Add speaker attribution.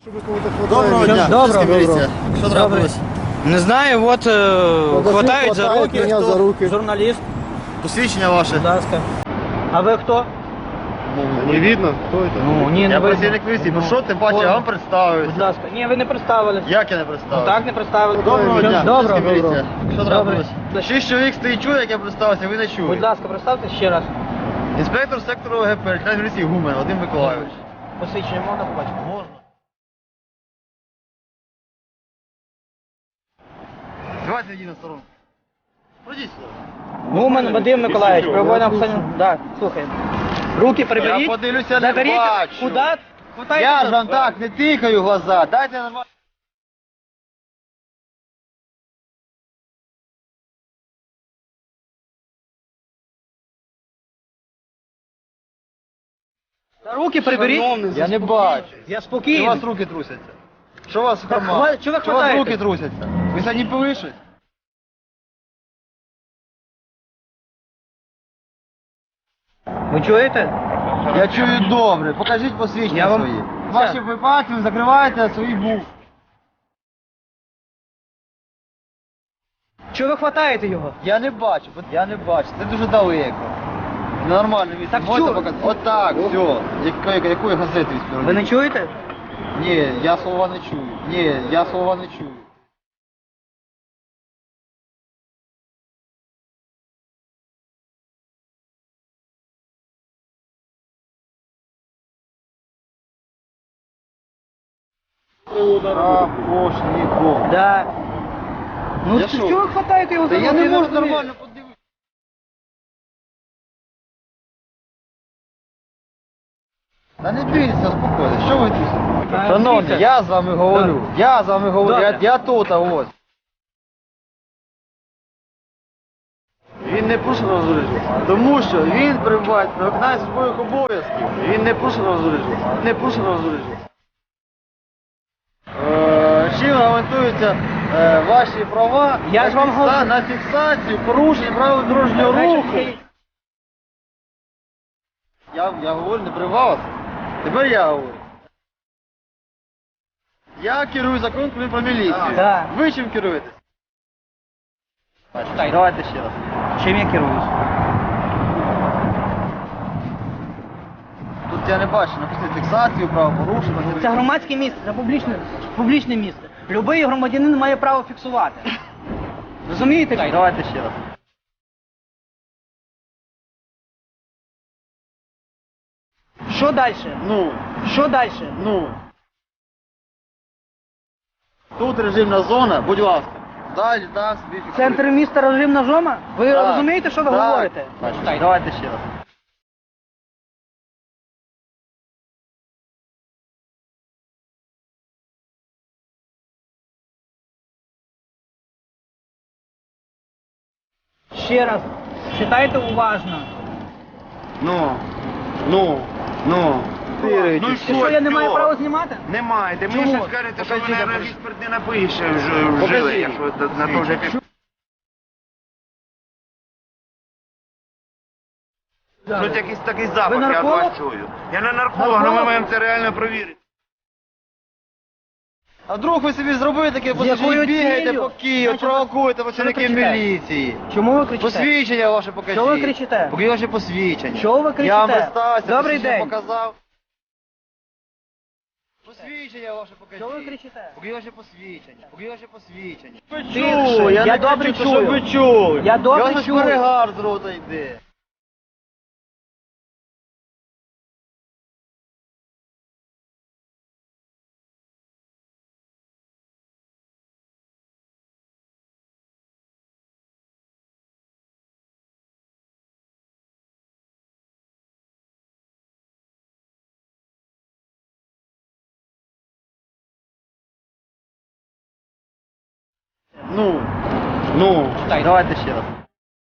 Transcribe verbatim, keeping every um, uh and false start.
Speaker 1: Доброго дня.
Speaker 2: Доброго.
Speaker 1: Міліція. Що трапилось?
Speaker 2: Не знаю, от е, хватають за
Speaker 3: хватають
Speaker 2: руки.
Speaker 3: мене за руки.
Speaker 2: Журналіст,
Speaker 1: Посвідчення ваше.
Speaker 2: будь ласка. А ви хто?
Speaker 3: Не видно, кто это?
Speaker 2: Ну, ні, не
Speaker 1: Я
Speaker 2: видно.
Speaker 1: працівник міліції.
Speaker 2: Ну,
Speaker 1: Ну що ти бачиш, я вам
Speaker 2: Будь
Speaker 1: представився.
Speaker 2: ласка. Ні, ви не представились.
Speaker 1: Як я не
Speaker 2: Ну,
Speaker 1: представився?
Speaker 2: так не представились.
Speaker 1: Доброго дня.
Speaker 2: Доброго.
Speaker 1: Поліцейська міліція. Що трапилось?
Speaker 2: Добре.
Speaker 1: Шість чоловік стоїть, чує, як я представився, ви не
Speaker 2: Будь
Speaker 1: чуєте.
Speaker 2: ласка, представте ще раз.
Speaker 1: Інспектор сектору ОГП, лейтенант міліції Гумен Вадим Миколайович.
Speaker 2: Посвідчення можна побачити?
Speaker 1: Можна. Давайте йди на сторону. Пройдіть сюди.
Speaker 2: Гумен Вадим Миколаївич, перебуває на Оксані. Так, слухаємо. Руки приберіть.
Speaker 1: Я подивлюся, не
Speaker 2: Заберіть.
Speaker 1: бачу.
Speaker 2: Куди? Хватайте
Speaker 1: Я
Speaker 2: за-
Speaker 1: ж вам так не тикаю в глаза. Дайте нормально.
Speaker 2: За руки приберіть.
Speaker 1: Я не бачу.
Speaker 2: Я
Speaker 1: Що у
Speaker 2: спокійний.
Speaker 1: вас руки трусяться? Що у вас в
Speaker 2: Так,
Speaker 1: карманах?
Speaker 2: хва- чого ви
Speaker 1: Що у вас
Speaker 2: хватаєте?
Speaker 1: руки трусяться? Ви сьогодні пили щось?
Speaker 2: Ви чуєте?
Speaker 1: Я чую добре. Покажіть посвідчення
Speaker 2: Я вам-
Speaker 1: свої. Ваші випадки ви закриваєте свої бух.
Speaker 2: Чого ви хватаєте його?
Speaker 1: Я не бачу, от я не бачу. Це дуже далеко. Нормально місце.
Speaker 2: Так
Speaker 1: Можете
Speaker 2: чу-
Speaker 1: показати? Отак, все. Якої, якої газети ви співробітник?
Speaker 2: Ви не чуєте?
Speaker 1: Ні, я слова не чую. Ні, я слова не чую. Апошніков.
Speaker 2: Да. Ну
Speaker 1: Я
Speaker 2: що?
Speaker 1: що?
Speaker 2: Чого ви хватаєте його за
Speaker 1: Та я
Speaker 2: руки?
Speaker 1: не можу
Speaker 2: розумію.
Speaker 1: нормально подивитися. Та не бійтеся, успокойтесь. Що ви тут?
Speaker 2: Та
Speaker 1: Шановні,
Speaker 2: бійтеся.
Speaker 1: я з вами говорю.
Speaker 2: Добре.
Speaker 1: Я з вами говорю. Я,
Speaker 2: Добре.
Speaker 1: я тут, а ось. Він не порушив розпорядження, тому що він перебуває на виконанні своїх обов'язків. Він не порушив розпорядження. Не порушив розпорядження. Е, Чим гарантуються е, ваші права
Speaker 2: Я
Speaker 1: на,
Speaker 2: ж вам
Speaker 1: фікса-
Speaker 2: говорю.
Speaker 1: на фіксацію порушень правил дорожнього руху? Я, я говорю, не при вас. Тепер я говорю. Я керую законом про міліцію.
Speaker 2: Да.
Speaker 1: Ви чим керуєтесь?
Speaker 2: Читайте.
Speaker 1: Давайте ще раз.
Speaker 2: Чим я керуюсь?
Speaker 1: Тут я не бачу, написано фіксацію, правопорушення.
Speaker 2: Це громадське місце, це публічне, публічне місце. Любий громадянин має право фіксувати. Розумієте?
Speaker 1: Давайте ще раз.
Speaker 2: Що далі?
Speaker 1: Ну,
Speaker 2: Що далі?
Speaker 1: ну. Тут режимна зона, будь ласка. Далі, там собі фіксуйте.
Speaker 2: Центр міста режимна зона? Ви
Speaker 1: Так,
Speaker 2: розумієте, що ви
Speaker 1: так.
Speaker 2: говорите?
Speaker 1: Значить, давайте ще раз.
Speaker 2: Ще раз. Читайте уважно.
Speaker 1: Ну, ну, ну.
Speaker 4: Ну
Speaker 2: Ти що, я не маю права знімати?
Speaker 4: Не маєте. Мені
Speaker 2: Чому?
Speaker 4: ще скажете, що
Speaker 1: Покажіть,
Speaker 4: мене
Speaker 1: покажіть.
Speaker 4: реєстр не напише вже вжили,
Speaker 1: Покажіть.
Speaker 4: якщо на то вже пішло. Тут якийсь такий запах, я від
Speaker 2: нарколог?
Speaker 4: вас чую. Я не нарколог, але ми
Speaker 2: Нарколог?
Speaker 4: маємо це реально провірити.
Speaker 1: А вдруг ви собі зробили таке, бо
Speaker 2: якою
Speaker 1: бігаєте
Speaker 2: ціллю?
Speaker 1: по Києву,
Speaker 2: Значить,
Speaker 1: провокуєте
Speaker 2: що ви
Speaker 1: працівників
Speaker 2: кричите?
Speaker 1: міліції.
Speaker 2: Чому ви кричите?
Speaker 1: Посвідчення ваше покажіть.
Speaker 2: Що ви кричите?
Speaker 1: Покажіть ваше посвідчення.
Speaker 2: Що ви кричите?
Speaker 1: Я вам представився,
Speaker 2: Добрий
Speaker 1: посвідчення
Speaker 2: день.
Speaker 1: показав. Посвідчення ваше покажіть.
Speaker 2: Що ви кричите?
Speaker 1: Покажіть ваше посвідчення. Покажіть ваше посвідчення.
Speaker 2: Тихше,
Speaker 1: Чую,
Speaker 2: я
Speaker 1: не
Speaker 2: добре
Speaker 1: кричу,
Speaker 2: чую.
Speaker 1: щоб ви чули.
Speaker 2: Я добре
Speaker 1: Я
Speaker 2: чую.
Speaker 1: перегар з рота йде. Ну, ну,
Speaker 2: Читайте.
Speaker 1: давайте ще раз.